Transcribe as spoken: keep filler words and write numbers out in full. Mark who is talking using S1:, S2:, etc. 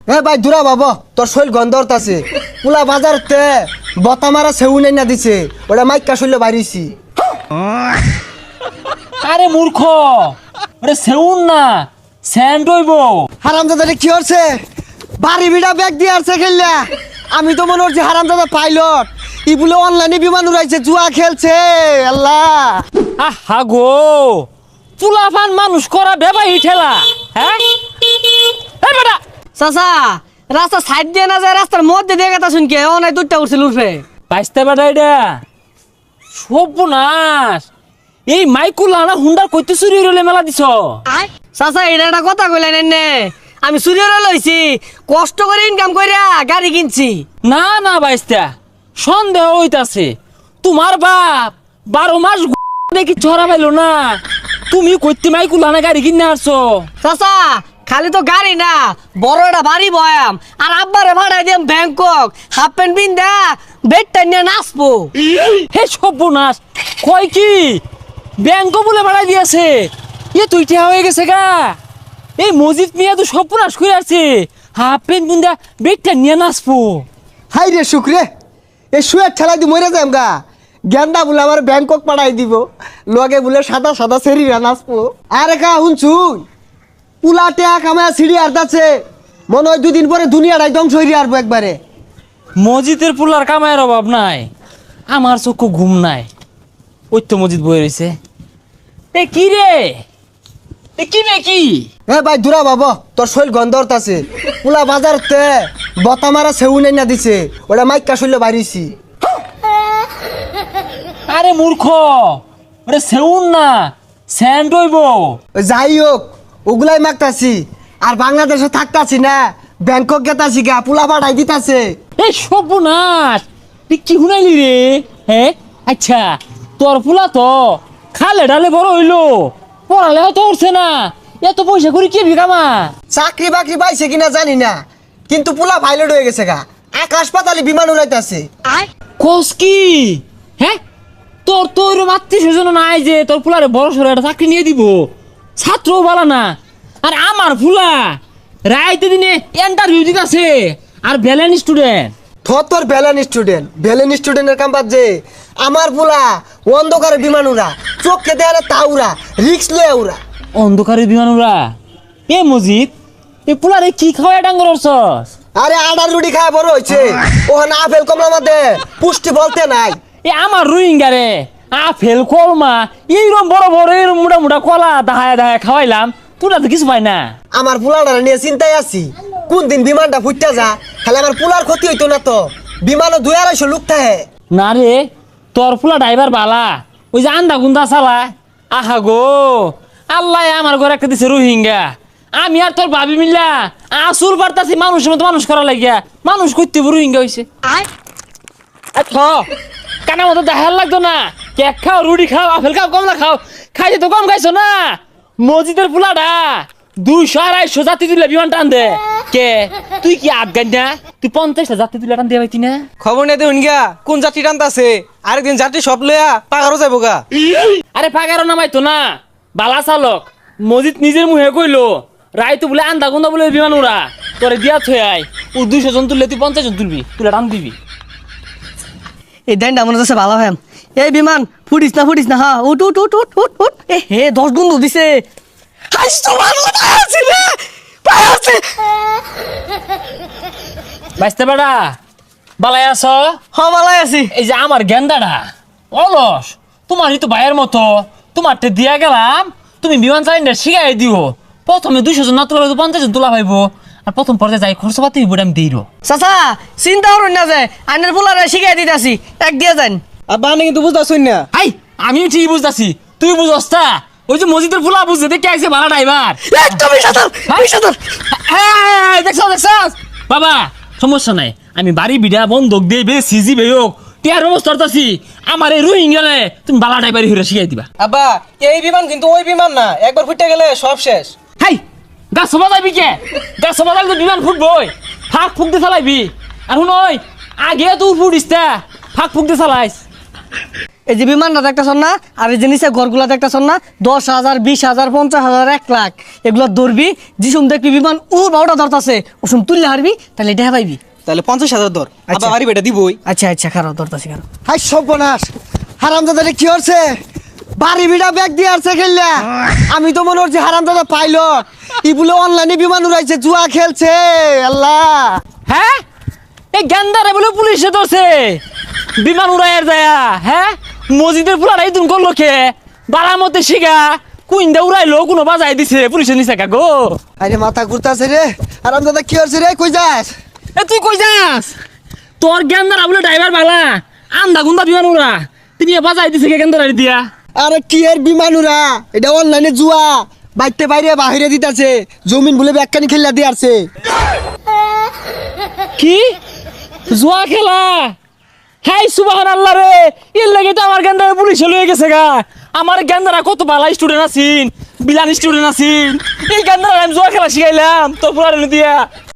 S1: এ ভাই দূরা বাবা, তোর শৈল গন্ধরত আছে। পুলা বাজারতে বতা মারা সেউ নাই না দিছে, ওটা মাইকা শৈল বাড়িছি।
S2: আরে মূর্খ, ওরে সেউন না, স্যান্ড হইব।
S1: হারামজাদা কি হচ্ছে? বাড়ি বিড়া ব্যাগ দিয়ে আসছে খেললা। আমি তো মনে হচ্ছে হারামজাদা পাইলট, ই বলে অনলাইনে বিমান উড়াইছে, জুয়া খেলছে। আল্লাহ
S2: আহা গো, চুলাফান মানুষ করা বেবাই ঠেলা। হ্যাঁ এই বেটা
S3: চাচা, রাস্তা সাইড দিয়ে না যায়, রাস্তার মধ্যে দিয়ে কথা শুনকে ও নাই দুধটা উঠছিল উঠবে।
S2: বাইসতে বেটা এটা সর্বনাশ। এই মাইকুলা না হুন্ডার কইতে চুরি হইলে মেলা দিছ।
S3: চাচা এটা একটা কথা কইলেন নে, আমি চুরিরে লইছি, কষ্ট করে ইনকাম কইরা গাড়ি কিনছি।
S2: না না বাইস্তা, সন্দেহ হইতাছে। তোমার বাপ বারো মাস দেখি ছড়া পাইলো না, তুমি কইতে মাইকুলা না গাড়ি কিনে আসছো।
S3: চাচা খালি তো গাড়ি না, বড় একটা বাড়ি বয়াম, আর আব্বারে ভাড়াই দিম ব্যাংকক, হাফ প্যান্ট পিন্দা বেডটা নিয়ে নাচবো।
S2: হে সর্বনাশ, কয় কি ব্যাংক বলে বাড়াই দিয়েছে? এ তুই ঠেয়া হয়ে গেছে গা। এই মজিদ মিয়া তো সর্বনাশ করে আছে, হাফ প্যান্ট বুন্দা বেগটা নিয়ে নাচবো।
S1: হাই রে শুক্রে, এ শুয়ে ঠেলাই দি মরে যাম গা। গেন্দা বলে আমার ব্যাংকক পাঠাই দিব, লগে বলে সাদা সাদা সেরিরা নাচবো। আরে কা শুনছুন, পুলা টেয়া কামায় সিঁড়ি আর্দাচ্ছে, মনে হয় দুদিন পরে দুনিয়াটাই ধ্বংস হয়ে আসবো একবারে।
S2: মসজিদের পুলার কামায়ের অভাব নাই, আমার চক্ষু ঘুম নাই। ওই তো মসজিদ বয়ে রয়েছে। এ কি রে, এ কি রে কি?
S1: এ ভাই দূরা বাবা, তোর শৈল গন্ধরত আছে। পুলা বাজারতে বতা মারা সেউ নাই না দিছে, ওটা মাইকা শৈল বাড়িছি।
S2: আরে মূর্খ, ওরে সেউন না, স্যান্ড হইব।
S1: যাই হোক, ওগুলাই মাগতাছি। আর বাংলাদেশে থাকতাছি না, ব্যাংকক গেতাছি গা, পুলা পাঠাই দিতাছে।
S2: এই সর্বনাশ, তুই কি শুনাইলি রে? হ্যাঁ আচ্ছা, তোর ফুলা তো খালে ডালে বড় হইলো, পড়ালেও তো উঠছে না, এত পয়সা করে কি বিকামা?
S1: চাকরি বাকরি পাইছে কিনা জানি না, কিন্তু পুলা পাইলট হয়ে গেছে গা, আকাশ পাতালে বিমান উড়াইতাছে।
S2: কোস কি? হ্যাঁ তোর তো ওইরকম আত্মীয় স্বজন নাই যে তোর ফুলারে বড় সড়ো একটা চাকরি নিয়ে দিব, ছাত্রও বলা না। আর আমার ফুলা রাইতে দিনে ইন্টারভিউ দিতেছে, আর ব্যালেন্স স্টুডেন্ট।
S1: থর তোর ভ্যালেন স্টুডেন্ট, ভ্যালেন স্টুডেন্টের কাম বাদ যে আমার পুলা অন্ধকারে বিমান উড়া, চোখকে দেয়ালে তা উড়া, রিক্স লয়ে উড়া।
S2: অন্ধকারে বিমান উড়া? এ মজিদ, এ পুলারে কি খাওয়া ডাঙ্গর অর্চস?
S1: আরে আডার রুটি খায় বড় হয়েছে, ওখানে আপেল কমলা মাদে পুষ্টি বলতে নাই।
S2: এ আমার রোহিঙ্গা রে, আপেল কলমা এইরকম বড় বড় এরকম মোটা মোটা কলা দাহায় দাহায় খাওয়াইলাম, তোরা তো কিছু পাই না।
S1: আমার পুলাটা নিয়ে চিন্তায় আছি, কোন দিন বিমানটা ফুটতে যা, খালি আমার পুলার ক্ষতি হইতো না তো। বিমানও দুই আড়াইশো লোক থাকে।
S2: না রে, তোর ফুলা ড্রাইভার বালা, ওই যে আন্দা গুন্দা চালা। আহা গো, আল্লাহ আমার ঘরে একটা দিছে রোহিঙ্গা, আমি আর তোর ভাবি মিল্লা আসুর বার্তাছি মানুষের মতো মানুষ করা লাগিয়া, মানুষ করতে রোহিঙ্গা হয়েছে। কানা মতো দেখার লাগতো না, কেক খাও, রুটি খাও, আপেল খাও, কমলা খাও, খাইতে তো কম খাইছো না। মসজিদের ফুলাটা দুইশো আড়াইশো যাত্রী তুলে বিমান টান দে। কে তুই কি আফগান না? তুই পঞ্চাশটা যাত্রী তুলে টান দিয়ে পাইতি না?
S4: খবর নেই দেখুন গা, কোন যাত্রী টানতাছে, আরেকদিন যাত্রী সব লইয়া পাগারও যাবো গা।
S2: আরে পাগারও নামাইতো না, বালা চালক। মসজিদ নিজের মুহে কইলো রায় তো বলে আন্দা গুন্দা বলে বিমান উড়া, তোরে দিয়া থই আই, ও দুইশো জন তুললে তুই পঞ্চাশ জন তুলবি, তুলে টান দিবি।
S3: এই দেন মনে হচ্ছে ভালো হ্যাম। এই বিমান ফুটিস না ফুটিস না, হ্যাঁ উঠ উঠ উঠ উঠ উঠ উঠ। এ হে দশ গুণ দিছে।
S2: বাইসতে বেড়া বালাই আছ?
S3: হ ভালাই আছি।
S2: এই যে আমার গেন্দাটা অলস, তোমারই তো ভাইয়ের মতো, তোমারটা দিয়া গেলাম, তুমি বিমান চালিনা শিখাই দিও। প্রথমে দুইশো জন না তোলা পঞ্চাশ জন তোলা পাইবো, আর প্রথম পর্যায়ে যাই খরচ পাতি হইব আমি দিই।
S3: চাচা চিন্তা করুন না যে আইনের পোলারে শিখাই দিতে আসি, এক দিয়ে যান।
S4: আর বানে কিন্তু বুঝতেছুন না।
S2: আই আমি ঠিক বুঝতেছি, তুই বুঝস তা? ওই যে মসজিদের ফুলা বুঝতে দেখে আইছে ভাড়া ড্রাইভার।
S3: একদমই সাঁতার সাঁতার।
S2: দেখছ দেখছ বাবা, সমস্যা নাই, আমি বাড়ি বিড়া বন্ধক দিয়ে বে সিজি বে হোক টিয়ার ব্যবস্থা করতেছি। আমার এই রোহিঙ্গালে তুমি বালা ড্রাইভারি হইরা শিখাই দিবা।
S4: আব্বা এই বিমান কিন্তু ওই বিমান না, একবার ফুটে গেলে সব শেষ।
S2: হাই গাছ সবা যাবি কে? গাছ সবা যাবি তো বিমান ফুটবই, ফাঁক ফুক দিয়ে চালাইবি। আর শুন ওই আগে তুই ফুটিস তা ফাঁক ফুক দিয়ে চালাইস।
S3: এই যে বিমানটা দেখতেছন না আর এই যে নিচে ঘরগুলা দেখতেছন না দশ হাজার বিশ হাজার পঞ্চাশ হাজার এক লাখ এগুলো ধরবি যিসুম দেখবি বিমান ও বারোটা ধরতাছে ওসুম তুললে হারবি তাহলে এটা পাইবি।
S4: তাহলে পঞ্চাশ হাজার ধর
S3: আচ্ছা।
S4: আবার বাড়ি বেটা দিবই।
S3: আচ্ছা আচ্ছা খারাপ ধরতাছি খারাপ।
S1: হাই সর্বনাশ হারামজাদা কি হচ্ছে বাড়ি বিড়া ব্যাগ দিয়ে আসছে খেললা আমি তো মনে হচ্ছে হারামজাদা পাইলট ই বলে অনলাইনে বিমান উড়াইছে জুয়া খেলছে আল্লাহ।
S2: হ্যাঁ এই গেন্দারে বলে পুলিশে ধরছে বিমান উড়াইয়ের যায়া। হ্যাঁ মসজিদের পুলারাই তুমি করলো খে বাড়ার মধ্যে শিখা কুইন্দা উড়াইলো কোনো বাজাই দিছে পুলিশে নিছে কা গো।
S1: আরে মাথা ঘুরতাছে রে হারামজাদা কি হচ্ছে রে কই যাস?
S2: এ তুই কই যাস? তোর গেন্দারা বলে ড্রাইভার বালা আন্দা গুন্দা বিমান উড়া তুমি বাজাই দিছে কে গেন্দারা দিয়া।
S1: আরে কি এর বিমান উড়া এটা অনলাইনে জুয়া বাইতে বাইরে বাহিরে দিতাছে জমিন বলে ব্যাগখানি খেললা দিয়ে আসছে।
S2: কি জুয়া খেলা? হাই সুবহান আল্লাহ রে এর লাগে তো আমার গেন্দারা পুলিশে লয়ে গেছে গা। আমার গেন্দারা কত ভালো স্টুডেন্ট আছিন বিলান স্টুডেন্ট আছিন এই গেন্দারা আমি জুয়া খেলা শিখাইলাম তোর পুরানো দিয়া।